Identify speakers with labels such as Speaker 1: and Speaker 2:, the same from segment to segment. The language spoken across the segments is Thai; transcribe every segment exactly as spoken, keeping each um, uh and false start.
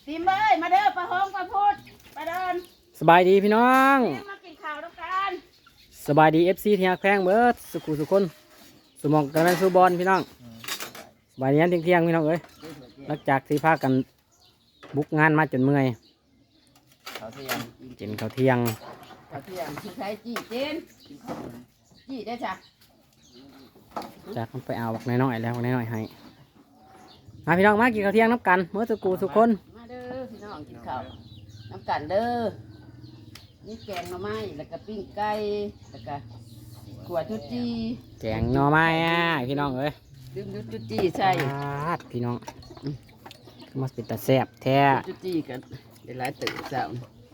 Speaker 1: ติมเอ้ยมาเด้อปลาหงปลาพูดปลาเดิน
Speaker 2: สบายดีพี่น้อง
Speaker 1: มากินข้าวด้วยกัน
Speaker 2: สบายดีเอฟซีที่ฮักแพงเบิร์ดสุขุสุคนสมองกันนั้นซูบอลพี่น้องสบายดีนั้นเที่ยงๆพี่น้องเอ้ยหลังจากที่พากันบุกงานมาจนเมื่อย
Speaker 1: ข้าวเที่ยง
Speaker 2: กินข้าวเที่ยง
Speaker 1: ข้าวเที่ยงที่ใช้จี้เจนจี้ได้จ้ะ
Speaker 2: จากมันไปเอาบักน้อยๆแล้วบักน้อยๆให้มาพี่น้องมากินข้าวเที่ยงน้ำกันเมื่อสุขุสุคน
Speaker 1: มาเด้อพี่น้องกินข้าวน้ำกันเด้อนี่แกงหน่อไม้แล้วก็ปิ้งไก่แล้วก็ขั่วจุจี้
Speaker 2: แกงหน่อไม้อ่ะพี่น้องเอ้ย
Speaker 1: ดื่มจุจี้ใช่
Speaker 2: พี่น้องมาเป็นตาแซ่บแท้
Speaker 1: จุจี้กันเป็นหลายตื่นเช้า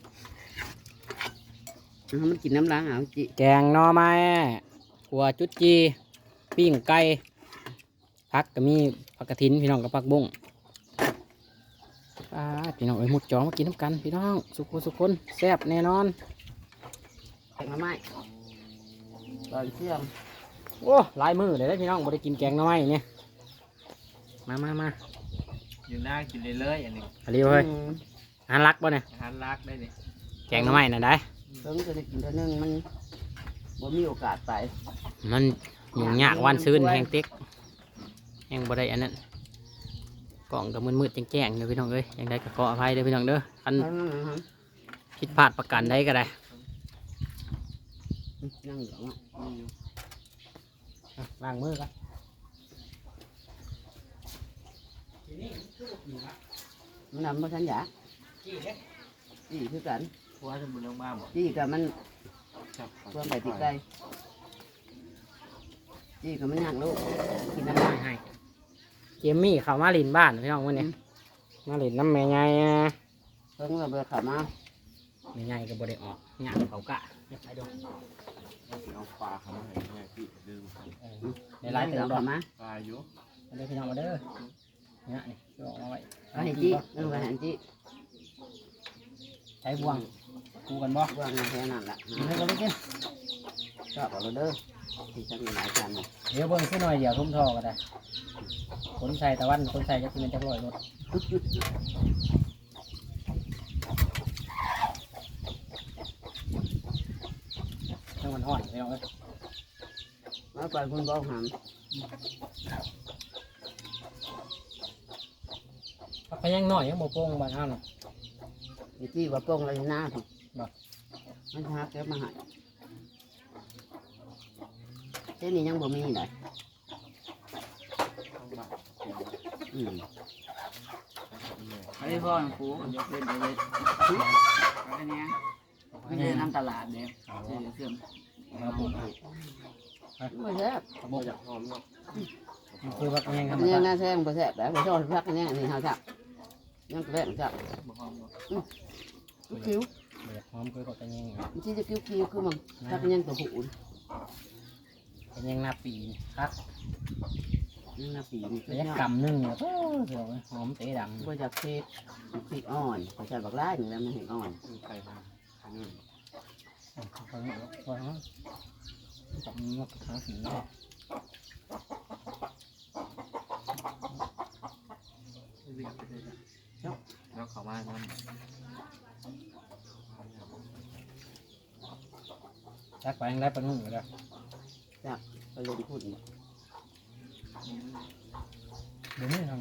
Speaker 1: มันกินน้ำล้างอ่ะจิ
Speaker 2: แกงหน่อไม้ขั่วจุจีปิ้งไก่ผักก็มีผักกระถินพี่น้องกับผักบุ้งพี่น้องเอ้ยหมุดจองมากินน้ำกันพี่น้องสุขุสุคนแซ่บแน่นอน
Speaker 1: แกงหน่อไม้ตอนเที่ยง
Speaker 2: โอ้ลายมือเลยได้พี่น้องบ่ได้กินแกงหน่อไม้เนี่ยมามามา
Speaker 3: อยู่หน้ากินเลยเลยอันนี้
Speaker 2: อะไรเฮ้ยอาหารรักป่ะเนี่ย
Speaker 3: อาหารรักได้เนี่ย
Speaker 2: แกงหน่อไม้น่ะได้
Speaker 1: เพิ่งจะได้กินเท่านึงมันบ่มีโอกาสไป
Speaker 2: มันยุ่งยากวันซื้นแห้งเต็กแห้งบ่ได้อันนั้นกล่องกับมืดๆแจ้งๆเด้อพี่น้องเอ้ยยังได้ก็ขออภัยเด้อพี่น้องเด้อคันผิดพลาดประกันได้ก็ได้
Speaker 1: นั่งเหลือง
Speaker 2: ล้างมือกัน
Speaker 1: มันนำมาทันยาจี้คือกัน
Speaker 3: เพราะว่าสมุนลงมาหมด
Speaker 1: จี้กับมันเพื่อไปติดใจจี้กับมันย่างลูกกินน้ำมัน
Speaker 2: ให้เจมมี่เขามาลินบ้านพี่น้องวันนี้มาลินน้ำแม่ใหญ่
Speaker 1: เพิ่งเราไปขับมา
Speaker 2: แม่ใหญ่ก็บ่ได้ออกย่างเขากะยับไปดู
Speaker 3: เอาปลาเขามาให้แม่พี่ดื้อ
Speaker 2: ในร้านเติมดอก
Speaker 1: มา
Speaker 3: ปลาอยู่
Speaker 2: มาเด้อพี่น้องมาเด้อเนี่ยนี่ช่วยออกมาไว้
Speaker 1: ไปให้จี้นั่งไปให้จี้
Speaker 2: ใช้บ่วงกูกันบ่
Speaker 1: บ่วงแค่นั้นแหละ
Speaker 2: ให้ก็ได้กิน
Speaker 1: ชอบเอาเด้อที่ฉันมีหลายจาน
Speaker 2: เดี๋ยวเบิ่งขึ้นหน่อยเดี๋ยวทุ่มทอก็ได้คนใส่ตะวันคนใส่จะกินจะลอยรถทั้งมันห่อนพี่น้องเอ้ย
Speaker 1: มาไปคุณบอกหาม
Speaker 2: พักยังหน่อยยังโมโป้งบ้านห้าหน่อย
Speaker 1: ที่ว่าโป้งอะไรหน้าถูกมันหาแก้มาหายเจ้านี่ยังบ่มีเลยอืมไอ้พ่อกูยกเล่นไปเลยอันนี้ไม่ได้น้ำตลาดเดียวเชื่อเชื่อไม่แซ่บ
Speaker 3: บ่อยากหอมเนาะ
Speaker 2: คือพักยังครับ
Speaker 1: ยังน่าแซ่บบ่แซ่บแบบบ่ชอบพักยังนี่เฮาจับยังแซ่บจับ
Speaker 3: บ่หอมเนาะ
Speaker 1: คิ้ว
Speaker 2: บ่อยากหอมคือก็จะยัง
Speaker 1: ที่จะคิ้วคิ้วคือมันถ้าเป็นยังตัวหู
Speaker 2: เป็นยังหน้าปีครับ
Speaker 1: ยังหน้าปีนี่
Speaker 2: เป็นยังกำนึ่งเนี่ยโอ้เดี๋ยวหอมเตะดัง
Speaker 1: บ่จากเพชรพริกอ่อนเขาใช้บักลาอย่างนั้นมันเห็นอ่อน
Speaker 3: ใส่มาอันนี้
Speaker 2: พอแล้วพอแล้วจับมันมาหาสีเลย
Speaker 3: แล้วเขามาทำ
Speaker 2: จักไปยังได้ปนุ่งอยู่แล้ว
Speaker 1: จักไปลงทุน
Speaker 2: เดี๋ยวนี้ทำ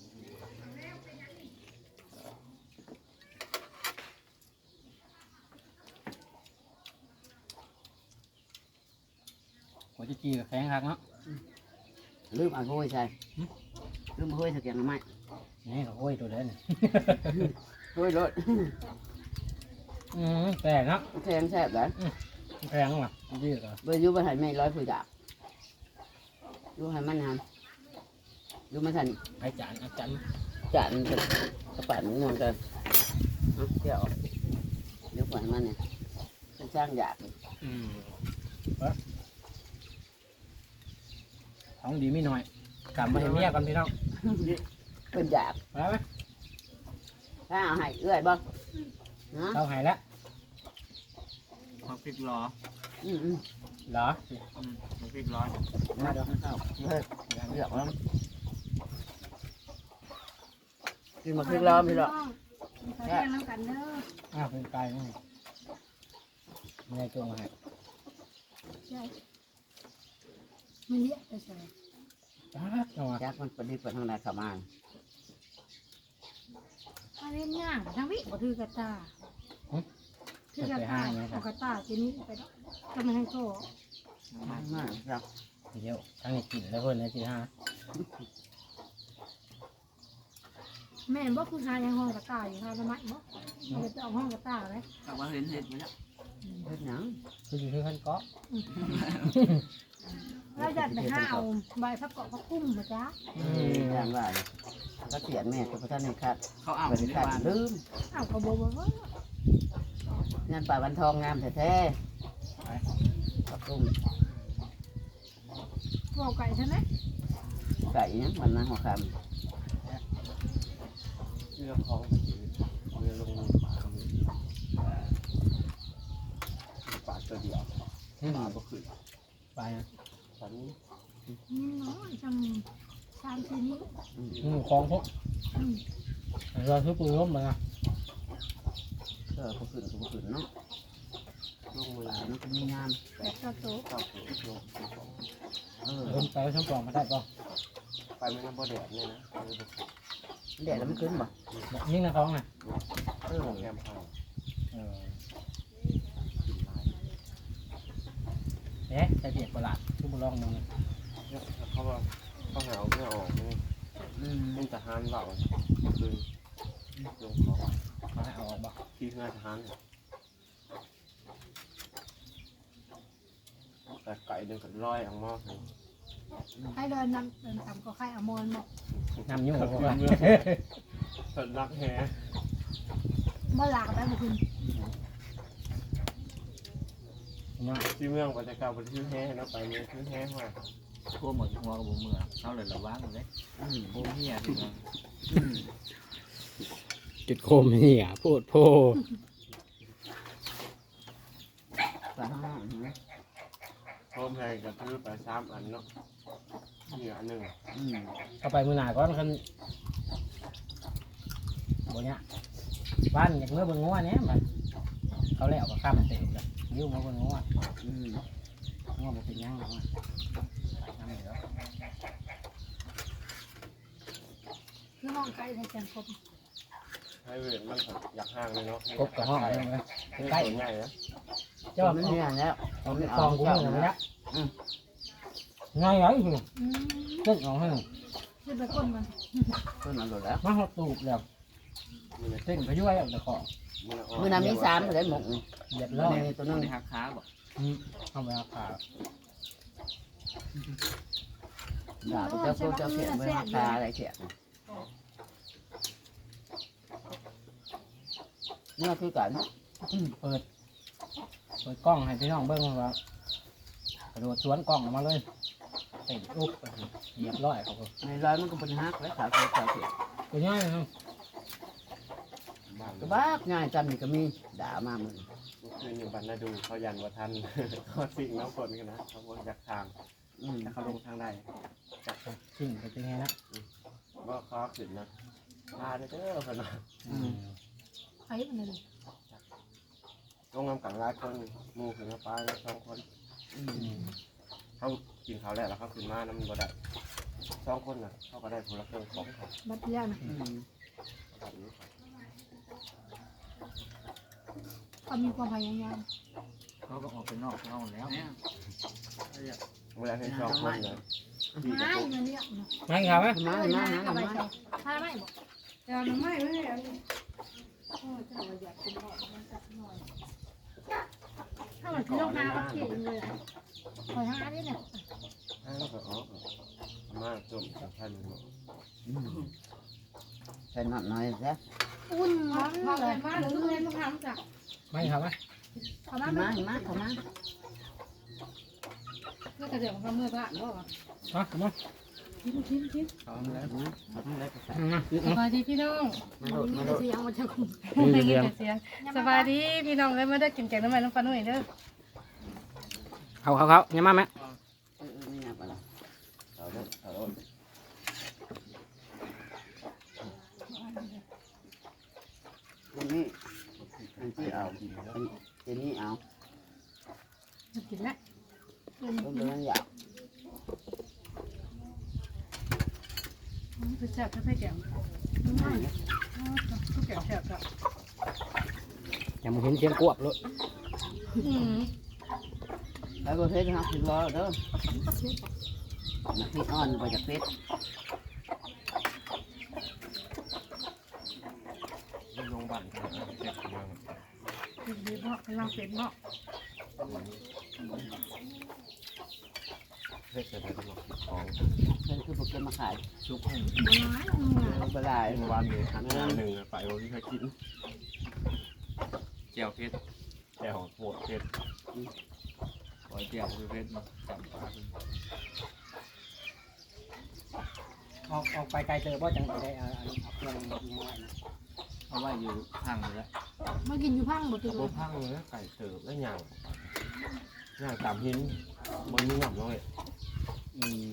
Speaker 2: หัวจีจีกับแข็งหักเนาะ
Speaker 1: ลืมเอาห้อยใช่ลืมห้อยสักอย่างไหม
Speaker 2: นี่เขาห้อยตัวเด่น
Speaker 1: ห้อยรถ
Speaker 2: อืมแพงเนาะ
Speaker 1: แพงแซ่บเลย
Speaker 2: แพงหรอจีเหรอ
Speaker 1: เบอร์ยูมาถ่ายไม่ร้อยผู้จับยูให้มันทำยูมาถ่าย
Speaker 2: ไอ้จานอาจารย์
Speaker 1: จานกระป๋องเงินกันเที่ยวเดี๋ยวปล่อยมันเนี่ยเป็นช่างหยาบ
Speaker 2: อืมท้องดีไม่น้อยกลับมาเห็นเมียกันพี่น้อง
Speaker 1: เป็นหยาบ
Speaker 2: ไปไหม
Speaker 1: ถ้าเอาให้เอื้อยบ้าง
Speaker 2: เอาให้แล้ว
Speaker 3: มาพริกล้อ
Speaker 1: อืมอืม
Speaker 2: เหรอ
Speaker 3: อืมมาพริกล้อ
Speaker 1: มาเดี๋ยวข้าวเฮ้ยเลือกแล้วกินมาพริกล้อพี่หรอ
Speaker 4: เขาแย่งน้ำกันเด้อ
Speaker 2: อ้าวเป็นไก่นี่ไม่ได้จงมาให้
Speaker 4: ใช่ไม่เลี้ยแต่ใส่
Speaker 2: จ้าจังหวะ
Speaker 1: จักมันเป็นที่เป็นทางไหนเข้ามา
Speaker 4: ถ้าเล่นย่างทั้งวิบ่ถือกระตาถือกระตาเอากระตาทีนี้ไปก็ไม่ให้โต
Speaker 1: มากมากครับ
Speaker 2: เดี๋ยวทั้งนี้กินแล้วเพิ่นนะสิฮะ
Speaker 4: แม่บ่คือหายังห้องกระตาอยู่หาทำไมบ่เอาไปเอาห้องกระตาเลย
Speaker 1: แต่ว่าเห็นเห็ดมาแล้วเห็ดหยัง
Speaker 2: คืออยู่ที่ขั้นเกาะ
Speaker 4: เราอยากไปห้าเอาใบพับเกาะพับคุ้มมาจ้า
Speaker 1: ย่างว่าก็เขียนแม่ก็พระท่านในคัด
Speaker 5: เขาเอา
Speaker 1: บริการลืม
Speaker 4: เอากระโบบ่
Speaker 1: งานป่าวันทองงามแท้ๆกับตุ้ม
Speaker 4: บอกไก่ใช่ไหม
Speaker 1: ไก่ยังวันนั้นหัวค
Speaker 3: เรื่องของเรื่องลงป่าก็มีป่าตัวเดียวป่าก็ขึ้น
Speaker 2: ไปนะ
Speaker 3: ฉัน
Speaker 4: นี่น้อยจังสามสี่นิ้ว
Speaker 2: หมูคลองพวกเราซื้อปูร่มมานะ
Speaker 1: ำเออก็ขึ้นก็ขึ้นเนาะลงเวลามันก็มีงาม
Speaker 4: แปดกระโต
Speaker 3: เข้าสู่ลง
Speaker 1: เออ
Speaker 2: เพิ่นไปช่องกล่องมาได้ป่ะ
Speaker 3: ไปไม่ต้องบ่แดดเนี่ยนะ
Speaker 1: เดี๋ยวแล้วมันขึ้นบ่
Speaker 2: ยิ่งนะท้องน่ะ
Speaker 1: เออ
Speaker 3: แกมพา
Speaker 2: เออเอ๊ะใส่เบียดประหลาดทุบลองมึง
Speaker 3: เนี่ยเขาว่าเขาหาเอาเพื่อออกนี่
Speaker 1: อืม
Speaker 3: เป็นทหารเบาคือลงของ
Speaker 2: เขาให้เอาออกบ่
Speaker 3: ที่งานทหารเนี่ยแต่ไก่เดินกับร้อยอ่างมอก
Speaker 4: ให้เดินนำเดินต่ำก็ไข่อมอนบอก
Speaker 2: น้ำยุ่ง
Speaker 3: เมื
Speaker 2: พวก
Speaker 3: อ
Speaker 2: เรา
Speaker 3: งสดรักแฮ
Speaker 4: เมื่อหลากได้บุคุณ
Speaker 2: เนาะ
Speaker 3: ที่เมืองบรรยากาศบนที่แห่เนาะไปเนี่ยที่แห่มา
Speaker 5: ทั่วหมดหัวกับหัวเมืองเขาเลยระวังเลย
Speaker 1: อืม
Speaker 5: โบเฮียที่มัน
Speaker 2: จุดโคมนี่อ่ะพูดโพ
Speaker 1: ปลาห้างนะ
Speaker 3: พร้อมแพงกับซื้อไปสามอันเนาะเหนือหนึ่ง
Speaker 1: อืม
Speaker 2: เอาไปมือหนาก่อนคันบ่เนี่ยบ้านอยากเมื่อเบิ่งงัวเนี้ยมันเขาแล้วก็ข้ามมันเต็มเลยยิ้วมาเบิ่งงัว
Speaker 1: อืม
Speaker 2: งัวบ่เป็นหยังหรอกว่ะน้ำเหลือ
Speaker 4: คือห้องไก่ในแกงครบ
Speaker 3: ให้เวทมันอยากห่างเลยเนาะ
Speaker 2: กบกับห้องเลยไหม
Speaker 3: ใก
Speaker 2: ใก
Speaker 3: ล้
Speaker 2: ล้
Speaker 3: ง่ายนะ
Speaker 2: เจ้า
Speaker 1: มันเนี่ยแล้ว
Speaker 2: เอาไปกองกูมึงเลยนะ
Speaker 1: อืม
Speaker 2: ง่ายไอ้คือ
Speaker 4: อืม
Speaker 2: เล่นเอาให้หนึ่ง
Speaker 4: คือไปก้นมัน
Speaker 1: ขึ้นมาหมดแล้ว
Speaker 2: มาหดตูบแล้ว
Speaker 3: มัน
Speaker 2: เต้นไปช่วยเอาแต่ของ
Speaker 1: มือน้ำมีสามเลยหมกนี่
Speaker 2: เหยียบ
Speaker 1: แล้
Speaker 2: ร้
Speaker 1: ว
Speaker 2: อย
Speaker 1: ในตัว
Speaker 5: ต้
Speaker 1: นึ
Speaker 5: อง
Speaker 1: ง
Speaker 5: ในหักขาบอก
Speaker 2: เอาไปเอาขา
Speaker 1: ด่าไปเจ้าพวกเจ้าเขียนไว้ราคาอะไรเขียนเนี่ยคือกัน
Speaker 2: เปิดเปิดกล้องให้พี่น้องเบิ้งว่ากระโดดสวนกล้องออกมาเลยเต้นอุ๊บเหยียบร้อยเขาก็
Speaker 1: ในร้อยมันก็เป็นฮักแล้วขาวเขียวขาวเขียว
Speaker 2: ตัวง่ายนะ
Speaker 3: บ้าน
Speaker 1: ก็บ้าง่ายจำนี่ก็มีด่ามามึง
Speaker 3: คืออยู่บ้านนาดูเขายันว่าทันเขาสิ่งน้ำฝนกันนะเขาบอกจากทาง
Speaker 1: อืม
Speaker 3: แต่เขาลงทางใด
Speaker 2: สิ่งเป็นไงนะ
Speaker 3: ว่าเขาขึ้นนะพาเด้อพนัก
Speaker 2: อืม
Speaker 4: ไอ้มันเลย
Speaker 3: ลงน้ำกังร้ายคนมูขึ้นมาปลาแล้วสองคน
Speaker 1: อื
Speaker 2: อื
Speaker 1: ม
Speaker 2: ม
Speaker 3: เขากินเขาแล้วแล้วเขาขึ้นมาน้ำมันบ่ได้สองคนน่ะเขาก็ได้ผลเครื่องของเขา
Speaker 4: บัดเดียวนะ
Speaker 1: อืม
Speaker 3: แบบนี้
Speaker 4: เขามีความพยายาม
Speaker 5: เขาก็ออกไปนอกห้องแล้ว
Speaker 1: เนี่ย
Speaker 3: เวลาให้สองคนเลยพี่กับ
Speaker 4: ไม่
Speaker 3: พวก
Speaker 4: มันเนี่ยนะ
Speaker 2: ไม่ครับไหม
Speaker 1: มามามา
Speaker 4: เอาไป
Speaker 1: มา
Speaker 4: ใส่ถ้าไม่บอกเดี๋ยวน้ำไม่ไม่เอาโอ้เจ้าอยากกินหอมมันสักหน่อยถ้ามันคือต้องหาวัตถุเลยคอยหาดิเนี่ย
Speaker 3: ให้เขาก็ออกมาจุ่มกับท่านหมด
Speaker 1: อืมใส่หน่อยหน่อยซะ
Speaker 4: อุ่นร้อนเลยมาหรือเล่นต้องทำจ้ะ
Speaker 2: ไม่ครับไหม
Speaker 4: เขามา
Speaker 1: มามาเข้ามา
Speaker 4: เพื่อกระเดี๋ยวของเมื่อพระบอกว่า
Speaker 2: ฮะมา
Speaker 4: ทิ้งทิ้งทิ้ง
Speaker 1: เข้ามาแล้วมาเข้ามาแล้วก็ใส่
Speaker 2: มา
Speaker 6: สบายดีพี่น้อง
Speaker 1: มาโดดมาโดด
Speaker 4: เสียงมันจะคุ้ม
Speaker 6: ได้ยินแต่เสียงสบายดีพี่น้องเลยมาได้กินแกงน้ำมันน้ำปลาหน่อยเด้อ
Speaker 2: เขาเขาเขาเนี่ยมาไหม
Speaker 1: เออเออไม่อยากอะไร
Speaker 3: เอาเด้อเอาเด้อ
Speaker 1: นี้อันที่เอาอันนี้เอา
Speaker 6: กินแล้ว
Speaker 1: ต้นเดือนอยาก
Speaker 6: คือแซ่บถ้าใส่แกงทุกแกงแซ่บจ้ะ
Speaker 2: ยังบ่เห็นเสียงกวบเลย
Speaker 6: อืม
Speaker 1: ไปประเภทครับสิบล้อเด้อนักที่อ่อนไปจากเพชร
Speaker 3: ลงบันเจ็บเมือง
Speaker 6: เป็นดีเนาะเป็นลางเป็ดเนาะ
Speaker 3: เพชรจะได้ตลอดของ
Speaker 1: เพิ่นคือโปรแกรมมาขาย
Speaker 5: ชุกให้
Speaker 1: ปลาไหล
Speaker 3: เมื่อวานนี้หันหน้าหนึ่งไปวันที่เขากิน
Speaker 5: แก้วเพชร
Speaker 3: แก้วโหดเพชร
Speaker 5: ปล่อยแก้วเพชรมาจับปลา
Speaker 2: ออกออกไปไกลเจอบ่จังได้เอาเอาเครื่องยังไงนะ
Speaker 5: เอาไว้อยู่ข้างเลยละ
Speaker 4: มากินอยู่พังบ่ติ
Speaker 3: โบพังเลยไก่เติบแล้วย่างย่างตามหินบนนี้หนักเลย
Speaker 2: อืม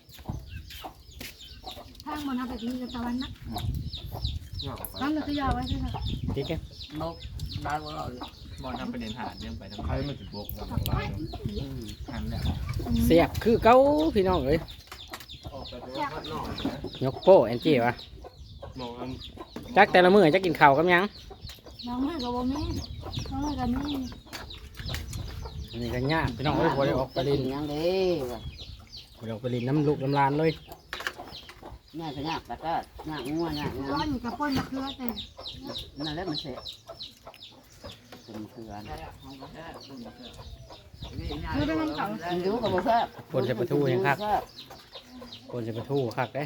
Speaker 4: พังบ่นับไปกินกับตะวันนะ
Speaker 3: ย่างออกไป
Speaker 6: ตั้งแต่ตัวยาวไว้ใช่ไหม
Speaker 2: ติ๊กแก
Speaker 1: นกได้บ่เราเลย
Speaker 5: บอลทำประเด็นหาเรื่องไปทำ
Speaker 3: ใค
Speaker 5: ไม
Speaker 3: รมันจะบกกันอะไร
Speaker 5: หันแล้ว
Speaker 2: เสียบคือเก้าพี่น้องเอ้ย
Speaker 3: ออกไปตัวพัดนอกนะ
Speaker 2: ยกโป้แอนจี้วะ
Speaker 3: มองอัน
Speaker 2: จักแต่ละมื้อจักกินข้าวกับหยัง
Speaker 4: น้องมือกับบ่มีน้องมือกับมี
Speaker 2: อันนี้ก็ยากพี่น้องเอ้ยบ่ได้ออกไปเลิน
Speaker 1: ยังดี
Speaker 2: บ่ได้ออกไปเลินน้ำลูกน้ำลานเลย
Speaker 1: ง่ายก็ยากแต่ก็ยากงัวยาก
Speaker 4: ร้อ
Speaker 1: งั
Speaker 4: นกับป้นมะเขือแต่
Speaker 1: นั่นแหละมันเสียเป็นเกลือ
Speaker 6: คือเป็นน้ำเก่า
Speaker 1: มันอยู่กับบ่แซ่บ
Speaker 2: คนจะประทูยังคักคนจะประทูคักเด้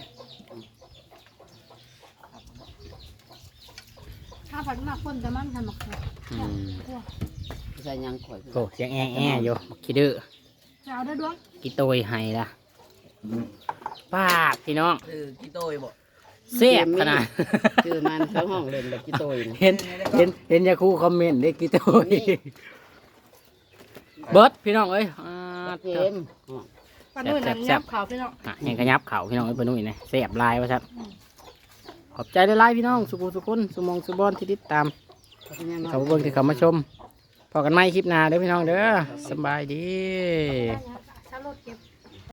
Speaker 4: ถ้าผัดมากป้นแต่มันทำมะเขือ
Speaker 2: อืม
Speaker 1: ใส่ยังข่อย
Speaker 2: โอ้เสียงแอะแอะอยู่บักขี้ดื้อ
Speaker 4: จะเอาได้ดวง
Speaker 2: กี่โตยให้ละป้าบพี่น้อง
Speaker 1: เออกี่โตยบ่
Speaker 2: เสียบขนาด
Speaker 1: ชื่อมันเขาห้องเล่นแบบกี่โตย
Speaker 2: เห็นเห็นเห็นยาคูคอมเมนต์ได้กี่โตยเบิร์ดพี่น้องเอ้ยอ่า
Speaker 1: เกม
Speaker 6: ปลาดุ้ยนั่นยับขาวพี่น้อง
Speaker 2: อ่ะยังกระยับเข่าพี่น้องเอ้ยปนุ่ยนะเสียบลายวะครับขอบใจได้ไลายพี่น้องสุขุสุขุนสุมองสุบอนที่ติดตามเขาเบิ่งที่เขามาชมพอกันไหมคลิปหน้าเด้อพี่น้องเด้อสำบายดี
Speaker 4: ถ้ารถเก็บ